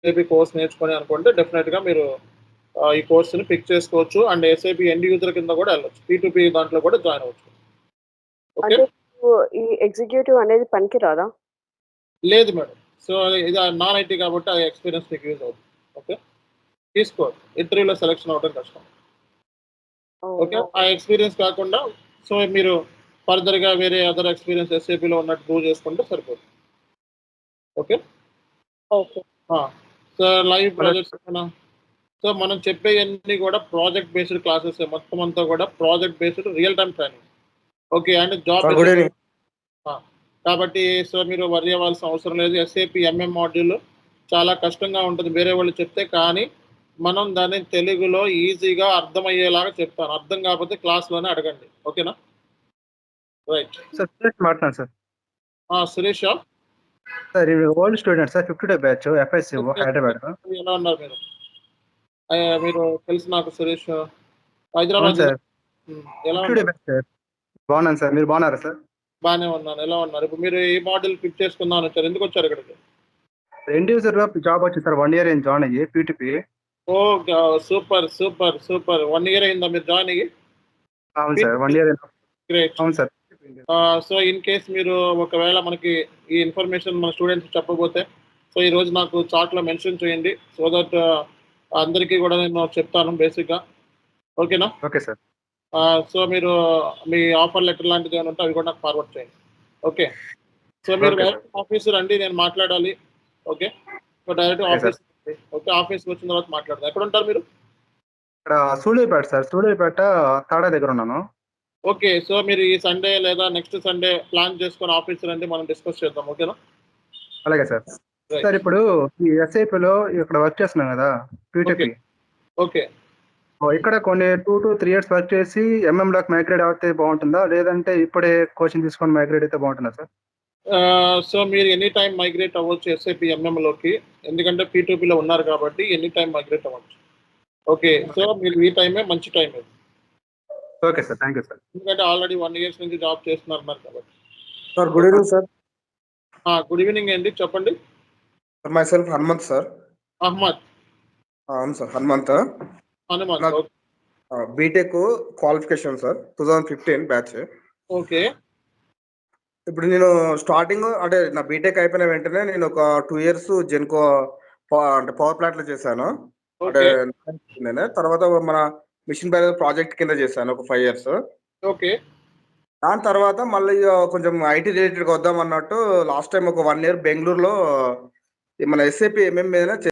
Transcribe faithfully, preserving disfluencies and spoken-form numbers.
SAP course నేర్చుకొని అనుకుంటే డెఫినిట్‌గా మీరు ఆహ్, ఈ కోర్స్‌ని పిక్ చేసుకోవచ్చు. అండ్ ఎస్ఏపీ ఎండ్ యూజర్ కింద కూడా ఎళ్ళొచ్చు. పీ టూ పీ దాంట్లో కూడా జాయిన్ అవ్వచ్చు. ఓకే. అంటే ఇప్పుడు ఈ ఎగ్జిక్యూటివ్ అనేది పనికి రాదా? లేదు మేడం. సో, ఇది నాన్ ఐటీ కాబట్టి ఆ ఎక్స్‌పీరియన్స్ మీకు యూజ్ అవుతుంది. ఓకే. తీసుకో. ఇంటర్వ్యూలో సెలక్షన్ అవ్వడం కష్టం. ఓకే. ఓహ్! ఆ ఎక్స్‌పీరియన్స్ కాకుండా సో, మీరు ఫర్దర్‌గా వేరే అదర్ ఎక్స్‌పీరియన్స్ ఎస్ఏపీలో ఉన్నట్టు ప్రూవ్ చేసుకుంటే సరిపోతుంది. ఓకే. ఓకే. ఆ! సో, లైవ్ హలో ప్రాజెక్ట్స్ ఏమైనా సో, మనం చెప్పేయన్నీ కూడా ప్రాజెక్ట్ బేస్డ్ క్లాసెసే మొత్తం అంతా కూడా project based real time training. Okay. And job sir good SAP evening. ఆ! కాబట్టి సో, మీరు వర్రీ అవ్వాల్సిన అవసరం లేదు. ఎస్ఏపీ ఎంఎం మాడ్యూల్ చాలా కష్టంగా ఉంటుంది వేరే వాళ్ళు చెప్తే. కానీ మనం దాన్ని తెలుగులో ఈజీగా అర్థమయ్యేలాగా చెప్తాను. అర్థం కాకపోతే క్లాస్‌లోనే అడగండి. ఓకేనా? రైట్. సార్ సురేష్ మాట్లాడుతున్నాను సార్. ఆ! సురేషా? సార్ ఇది old student sir. Fifty two batch FSCO okay. Hyderabad. ఎలా ఉన్నారు మీరు? ఆహ్, మీరు తెలుసు నాకు సురేష్. అవును హైదరాబాద్‌లో సార్. హ్మ్. ఎలా ఫిఫ్టీ టూ ఉన్నారు? Batch sir. బాగున్నాను సార్. మీరు బాగున్నారా సార్? బానే ఉన్నాను. ఎలా ఉన్నారు? ఇప్పుడు మీరు ఏ మాడ్యూల్ పిక్ చేసుకుందాం అని వచ్చారు? ఎందుకొచ్చారు ఇక్కడికి? ఎండ్ యూజర్‌లో జాబ్ వచ్చింది సార్. వన్ ఇయర్ అయింది జాయిన్ అయ్యి పీ టూ పీ. ఓహ్! గ super. Super. Super. One year అయిందా మీరు జాయిన్ అయ్యి? అవును sir. One P two P year great. అవును సార్. ఆహ్, సో, ఇన్ కేస్ మీరు ఒకవేళ మనకి ఈ ఇన్ఫర్మేషన్ మన స్టూడెంట్స్‌కి చెప్పకపోతే, సో, ఈరోజు నాకు చాట్‌లో మెన్షన్ చేయండి. సో దట్ అందరికీ కూడా నేను చెప్తాను బేసిక్‌గా. ఓకేనా? Okay sir. ఆహ్, సో, మీరు మీ ఆఫర్ లెటర్ లాంటిది ఏమైనా ఉంటే అవి కూడా నాకు ఫార్వర్డ్ చేయండి. ఓకే. సో, మీరు ఓకే సార్. డైరెక్ట్ ఆఫీస్ రండి. నేను మాట్లాడాలి. Okay. So, direct okay sir. Office okay. ఆఫీస్‌కి వచ్చిన తర్వాత మాట్లాడదాం. ఎక్కడుంటారు మీరు? ఇక్కడ సూళ్ళూరుపేట సార్. సూళ్ళూరుపేట తాడా దగ్గర ఉన్నాను. ఓకే. సో, మీరు ఈ సండే లేదా నెక్స్ట్ సండే ప్లాన్ చేసుకొని ఆఫీస్ రండి. మనం డిస్కస్ చేద్దాం. ఓకేనా? అలాగే సార్. Sir right. ఇప్పుడు ఈ ఎస్ఐపిలో ఇక్కడ వర్క్ చేస్తున్నాం కదా! P two okay. P. Okay. Oh! ఇక్కడ కొన్ని two to three years work చేసి ఎంఎంలోకి మైగ్రేట్ అవుతే బాగుంటుందా? లేదంటే ఇప్పుడే కోచింగ్ తీసుకొని మైగ్రేట్ అయితే బాగుంటుందా సార్? ఆహ్, సో, మీరు ఎనీ టైమ్ మైగ్రేట్ అవ్వచ్చు ఎస్ఏపీ ఎంఎంలోకి. ఎందుకంటే పీ టూ పీలో ఉన్నారు కాబట్టి ఎనీ టైమ్ మైగ్రేట్ అవ్వచ్చు. ఓకే. So, okay. మీరు ఈ టైమే మంచి టైం ఇది. Okay sir. Thank you sir. ఎందుకంటే ఆల్రెడీ వన్ ఇయర్స్ నుంచి జాబ్ చేస్తున్నారన్నారు కాబట్టి. Sir good evening sir. ఆ! గుడ్ ఈవెనింగ్ అండి. చెప్పండి. Sir myself Hanumanth sir. Ahmed. ఆ! అవును సార్ హనుమంత్. హనుమంత్. నాకు ఓకే. ఆహ్, BTech qualification sir. Two thousand fifteen batch. Okay. ఇప్పుడు నేను స్టార్టింగ్ అంటే నా బీటెక్ అయిపోయిన వెంటనే నేను ఒక టూ ఇయర్స్ జెన్‌కో ప అంటే పవర్ ప్లాంట్‌లో చేశాను. అంటే ఓకే. నేనే తర్వాత మన మిషన్ భగీరథ ప్రాజెక్ట్ కింద చేశాను ఒక ఫైవ్ ఇయర్స్. ఓకే. దాని తర్వాత మళ్ళీ ఆహ్, కొంచెం ఐటీ రిలేటెడ్‌గా వద్దాం అన్నట్టు లాస్ట్ టైమ్ ఒక వన్ ఇయర్ బెంగుళూరులో మన ఎస్ఏపీ ఎంఎం మీదనే